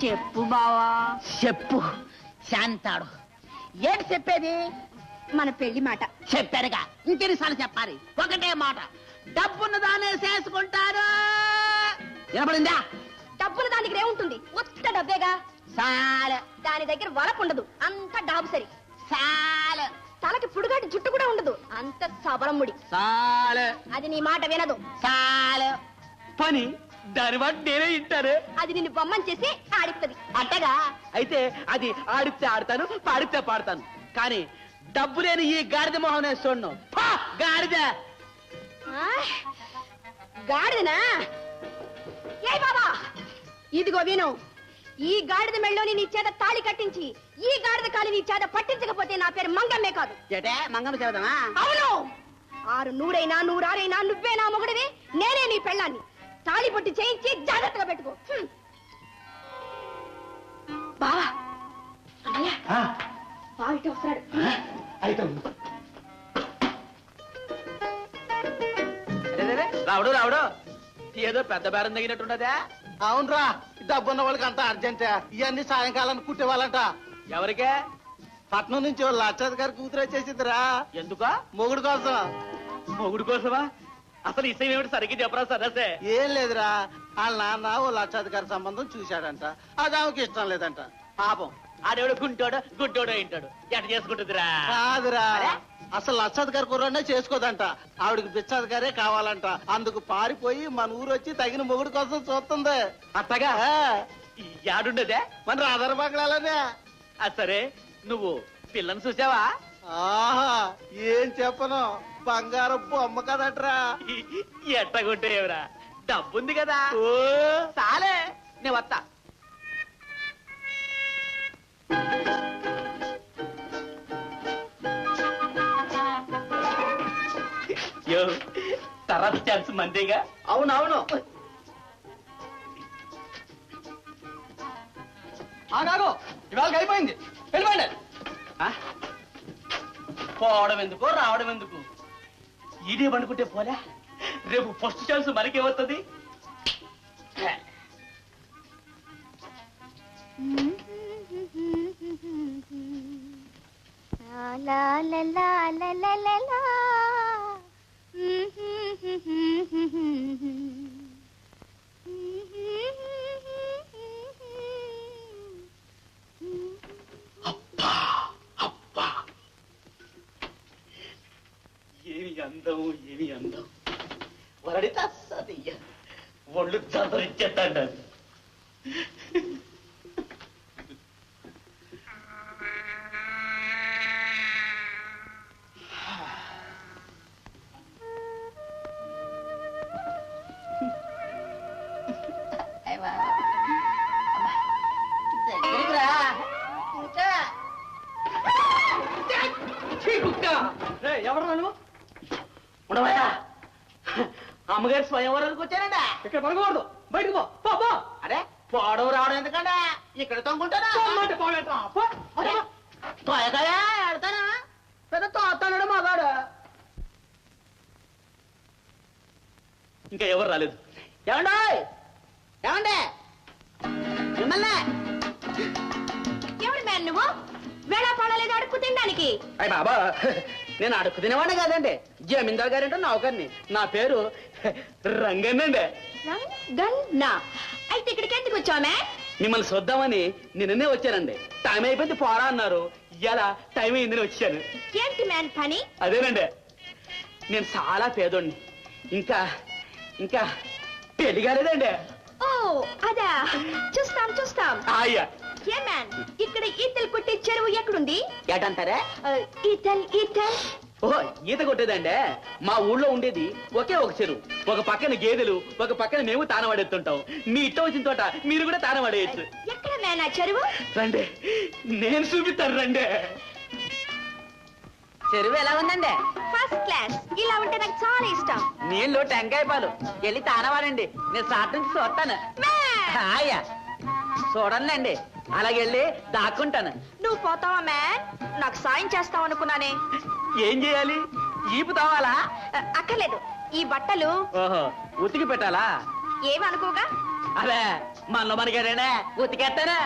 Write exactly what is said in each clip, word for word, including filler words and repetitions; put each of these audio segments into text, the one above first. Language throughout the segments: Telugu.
చెప్పు బావా. చెప్పు శాంతాడు. ఏంటి చెప్పేది? మన పెళ్లి మాట. చెప్పారుగా, ఇంకెన్నిసార్లు చెప్పాలి? ఒకటే మాట, డబ్బును దానే చేసుకుంటారు. వినపడిందా? డబ్బులు దాని దగ్గర ఏముంటుంది? ఉత్త డబ్బేగా. చాలు. దాని దగ్గర వరకు ఉండదు, అంత డాబు సరి. చాలు. తలకి పుడుగాటి జుట్టు కూడా ఉండదు, అంత సబరముడి. చాలు. అది నీ మాట వినదు. చాలు. పని దాని వాటి నేనే ఇంటారు. అది నిన్ను బొమ్మని చేసి ఆడిస్తుంది. అట్టగా అయితే అది ఆడితే ఆడతాను, పాడితే పాడతాను. కానీ డబ్బు లేని ఈ గాడిద మొహం నేను చూడను. ఫా, గాడిద. గాడిదనా? ఏ బాబా, ఇదిగో విను. ఈ గాడిద మెళ్ళోని నీ చేత తాళి కట్టించి ఈ గాడిద కాలి నీ చేత పట్టించకపోతే నా పేరు మంగమ్మే కాదు. ఏటే మంగమ్మ చెబుదామా? అవును. ఆరు నూరైనా నూరారైనా నువ్వే నా మొగుడివి, నేనే నీ పెళ్ళాన్ని. తాళి పట్టి చేయించి జాగ్రత్తగా పెట్టుకో. బావా, అన్నయ్య, బావ ఇటు వస్తున్నాడు. రావుడు రావుడు ఏదో పెద్ద బేరం తగినట్టుండదా? అవునరా, డబ్బున్న వాళ్ళకి అంత అర్జెంట్. ఇవన్నీ సాయంకాలం కుట్టేవాళ్ళంట. ఎవరికే? పట్నం నుంచి వాళ్ళ లక్షాధి గారి కూతురు వచ్చేసిందిరా. ఎందుకా? మొగుడు కోసం. మొగుడు కోసమా? అసలు ఇసయం ఏమిటి సరిగ్గా చెప్పరా సరసే. ఏం లేదురా, వాళ్ళ నాన్న ఓ లక్షాధికారి సంబంధం చూశాడంట. అది ఆమెకి ఇష్టం లేదంట. పాపం ఆడేవాడు గుంటోడు గుడ్డోడు ఏంటాడు, ఎట చేసుకుంటుందిరా? కాదురా, అసలు లక్షాధికారి కుర్రనే చేసుకోదంట. ఆవిడకి బిచ్చాధికారే కావాలంట. అందుకు పారిపోయి మన ఊరు వచ్చి తగిన మొగుడు కోసం చూస్తుంది. అట్టగా యాడుండదే? మన రాధార బంగ్లాలోనే. సరే, నువ్వు పిల్లని చూసావా? ఆహా, ఏం చెప్పను, బంగారం బొమ్మ కదట్రా. ఎట్టగుంటేవరా, డబ్బుంది కదా. చాలే, నే వస్తా. యో, తర్వాత ఛాన్స్ మందేగా. అవునవును. ఆగాగో, ఇవాళ అయిపోయింది, వెళ్ళిపోండి. పోవడం ఎందుకు, రావడం ఎందుకు? ఇదే పండుకుంటే పోలే, రేపు ఫస్ట్ ఛాన్స్ మనకేమవుతుంది? అబ్బా అబ్బా, ఏమి అందం, ఏమి అందం. వరడితే అస్సది ఒళ్ళు చదరిచ్చేస్తాడు. అది ఎవరు నువ్వు? ఉండవయ్యా, అమ్మగారి స్వయంవరానికి వచ్చానండి. ఇక్కడ పడకూడదు, బయటకు పో. పో. అరే, పోవడం రావడం ఎందుకంటే ఇక్కడ తొంగుంటానా? ఆడతానా? పెద్ద తోస్తాడు మగాడు. ఇంకా ఎవరు రాలేదు. ఏమండి ఏమండి మిమ్మల్ని ఎవడు మ్యాన్ నువ్వు? వేళ పడలేదు అడుక్కు తినడానికి. అయ్య బాబా, నేను అడుక్కు తినేవాడిని కాదండి, జమీందార్ గారింటో నౌకర్ని. నా పేరు రంగన్నండి. రంగన్నా? అయితే ఇక్కడికి ఎందుకు వచ్చామే? మిమ్మల్ని చూద్దామని నిన్ననే వచ్చానండి. టైం అయిపోయింది పోరా అన్నారు. ఇలా టైం అయిందని వచ్చాను. ఏంటి మ్యాన్ పని? అదేనండి, నేను చాలా పేదోడిని. ఇంకా ఇంకా పెళ్లి కాలేదండి. ఓ అదా, చూస్తాం చూస్తాం. అయ్యా, ఏ మ్యాన్, ఇక్కడ ఈతలు కొట్టే చెరువు ఎక్కడుంది? ఏటంటారా? ఈతల్ ఈతల్ ఓహో, ఈత కొట్టేదండి. మా ఊళ్ళో ఉండేది ఒకే ఒక చెరువు. ఒక పక్కన గేదెలు, ఒక పక్కన మేము తానవాడేస్తుంటాం. మీ ఇట్ట వచ్చిన తోట మీరు కూడా తానవాడేయచ్చు. ఎక్కడ మ్యాన్ ఆ చెరువు? రండి, నేను చూపిస్తాను రండి. చెరువు ఎలా ఉందండి? First class. ఇలా ఉంటే నాకు చాలా ఇష్టం. నీళ్ళు టెంకాయ పాలు. వెళ్ళి తానవాడండి, నేను సాట్ నుంచి చూస్తాను. హాయా, చూడండి, అలాగెళ్ళి దాక్కుంటాను. నువ్వు పోతావా మ్యాన్? నాకు సాయం చేస్తావు అనుకున్నానే. ఏం చేయాలి? ఈపు తావాలా? అక్కర్లేదు, ఈ బట్టలు ఓహో, ఉతికి పెట్టాలా? ఏమనుకోగా అదే మనలో మనకేడే ఉతికేస్తానే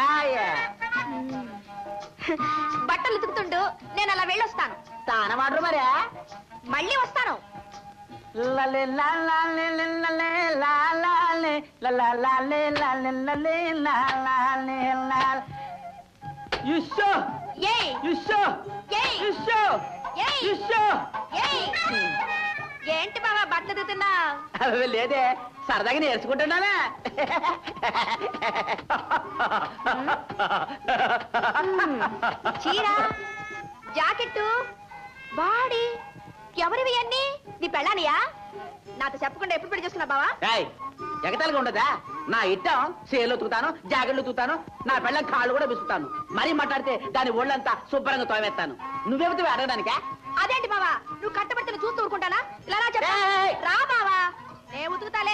బట్టలు ఉతుకుతుండు నేను అలా వెళ్ళొస్తాను. తాన వాడరు మరే మళ్ళీ వస్తాను. లలే లాలే లలే లాలే లలే లాలే లలే లాలే లాలే యుషో ఏయ్ యుషో ఏయ్ యుషో ఏయ్ యుషో ఏయ్ ఏంటి బాబా బట్టలు ఉతుకుతున్నా? అవి లేదే సరదాగా నేర్చుకుంటున్నావా? చీర జాకెట్టు బాడీ ఎవరివి అన్ని? నీ పెళ్ళానియా? నాతో చెప్పకుండా ఎప్పుడు పెళ్లి చేసుకున్నా బావా? ఏయ్, ఎగతాళిగా ఉండదా? నా ఇట్టం సేలు ఉతుకుతాను, జాకెట్లు ఉతుకుతాను, నా పెళ్ళం కాళ్ళు కూడా బిసుకుతాను. మరీ మాట్లాడితే దాని ఒళ్ళంతా శుభ్రంగా తోమేస్తాను. నువ్వేమిటి అడగడానికా? అదేంటి బావా, నువ్వు కట్టబడితే చూస్తూ ఊరుకుంటానా? ఇలా రా చెప్పు. ఏయ్! రా బావా, నే ఉతుకుతాలే.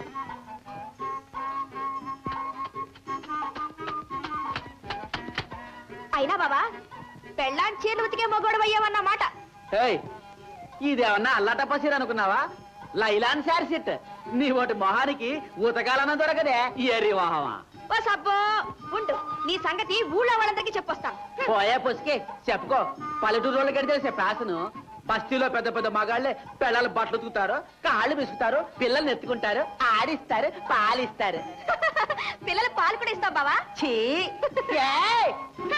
అయినా బావా పెళ్ళాన్ని చీరలు ఉతికే మొగోడు అయ్యావన్నమాట. ఏయ్, ఇదేమన్నా అల్లాటప్ప చీర అనుకున్నావా? లైలాన్ శారీ సెట్. నీ ఒకటి మొహానికి ఉతకాలన్న దొరకదే ఎరి మొహమా. ఓ సబ్బో ఉండు, నీ సంగతి ఊళ్ళో వాళ్ళందరికీ చెప్పొస్తాను. పోయే పుసికి చెప్పుకో. పల్లెటూరు వాళ్ళకి తెలిసే ఫ్యాషను. బస్తీలో పెద్ద పెద్ద మగాళ్ళే పిల్లలు బట్టలు ఉతుకుతారు, కాళ్ళు బిసుకుతారు, పిల్లల్ని ఎత్తుకుంటారు, ఆడిస్తారు, పాలిస్తారు. పిల్లలు పాలు కూడా ఇస్తావు బావా? ఛీ! ఏయ్!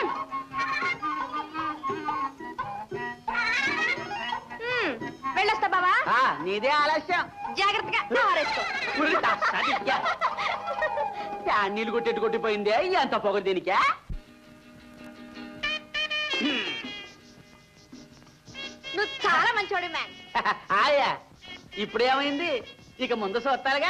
హ్మ్, వెళ్ళొస్తా బావా. ఆ, నీదే ఆలస్యం. జాగ్రత్తగా ఆరేసుకో. ఉరి తస్సదియ్యా. ఫ్యాన్ నీళ్ళు కొట్టెట్టు కొట్టిపోయిందే ఎంత పొగరు దీనికే. నువ్వు చాలా మంచోడు మ్యాన్. ఆయా ఇప్పుడేమైంది? ఇక ముందు చూస్తారుగా.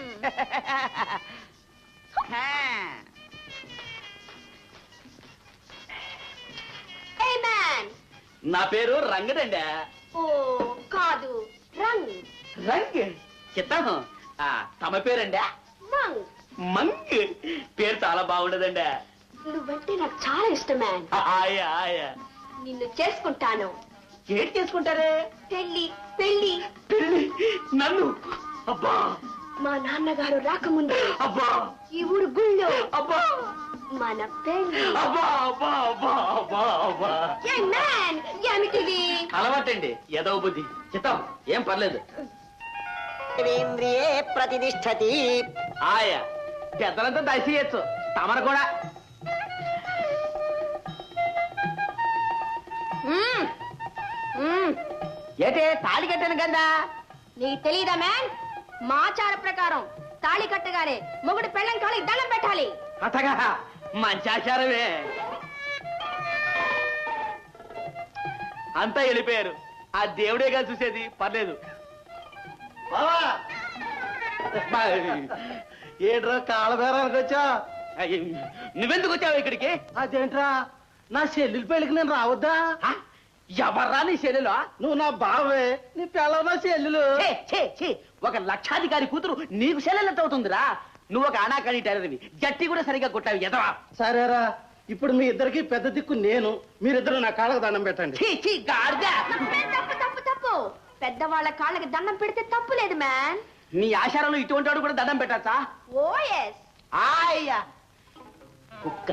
ఏ మ్యాన్. నా పేరు రంగడండి. ఓ కాదు, రంగ్. రంగ్ చిత్తం. ఆ, తమ పేరండి? మంగ్. మంగ్ పేరు చాలా బాగుండదండి. నువ్వంటే నాకు చాలా ఇష్టం మ్యాన్. ఆయా ఆయా నిన్ను చేసుకుంటాను. ఏంటి చేసుకుంటారే? పెళ్లి పెళ్లి. పెళ్ళి నన్ను? అబ్బా మా నాన్నగారు రాకముందు అబ్బా ఈ ఊరు గుళ్ళో అబ్బా మన పెళ్లి. అబ్బా అబ్బా అబ్బా అబ్బా అబ్బా. ఏ మ్యాన్, ఏమిటిది? అలవాటండి ఏదో బుద్ధి. చిత్తం ఏం పర్లేదు. ఇంద్రియే ప్రతిష్టతి. ఆయా పెద్దలంతా దయచేయచ్చు, తమరు కూడా. మ్మ్. మ్మ్. ఏంటే తాళి కట్టాను కదా? నీకు తెలీదా మ్యాన్? మా ఆచార ప్రకారం తాళి కట్టగానే మొగుడు పెళ్ళం కాలికి దండం పెట్టాలి. అతగా మంచి ఆచారమే. అంతా వెళ్ళిపోయారు. ఆ దేవుడేగా చూసేది, పర్లేదు. ఏంట్రా కాళ్ళబేరానికి వచ్చా? నువ్వెందుకు వచ్చావు ఇక్కడికి? అదేంట్రా నా చెల్లెలి పెళ్ళికి నేను రావద్దా? ఆ? ఎవర్రా నీ శైలిలో? నువ్వు నా బావే, నీ పిల్లవ నా చెల్లెలు. ఛే, ఛే, ఛే. ఒక లక్షాధికారి కూతురు నీకు శైలెంత అవుతుందిరా? నువ్వు ఒక అనాకాని టైరవి, జట్టి కూడా సరిగా కొట్టావు ఎదవా. సరేరా, ఇప్పుడు మీ ఇద్దరికి పెద్ద దిక్కు నేను. మీరిద్దరు నా కాళ్ళకు దండం పెట్టండి. ఛీ, ఛీ, గాడిద. తప్పు తప్పు తప్పు. పెద్దవాళ్ళ కాళ్ళకి దండం పెడితే తప్పు లేదు మ్యాన్. నీ ఆచారంలో ఇటువంటి వాడు కూడా దండం పెట్టచ్చా? Oh yes. ఆయా కుక్క.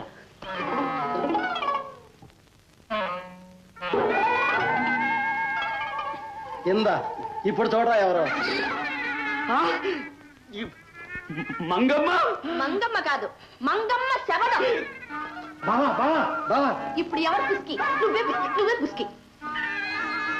ఇందా ఇప్పుడు చూడరా ఎవరో. ఆ? ఈ మంగమ్మ. మంగమ్మ కాదు, మంగమ్మ శబదం. బావా బావా బావా ఇప్పుడు ఎవరు పుస్కి? నువ్వే పుస్కి, నువ్వే పుస్కి.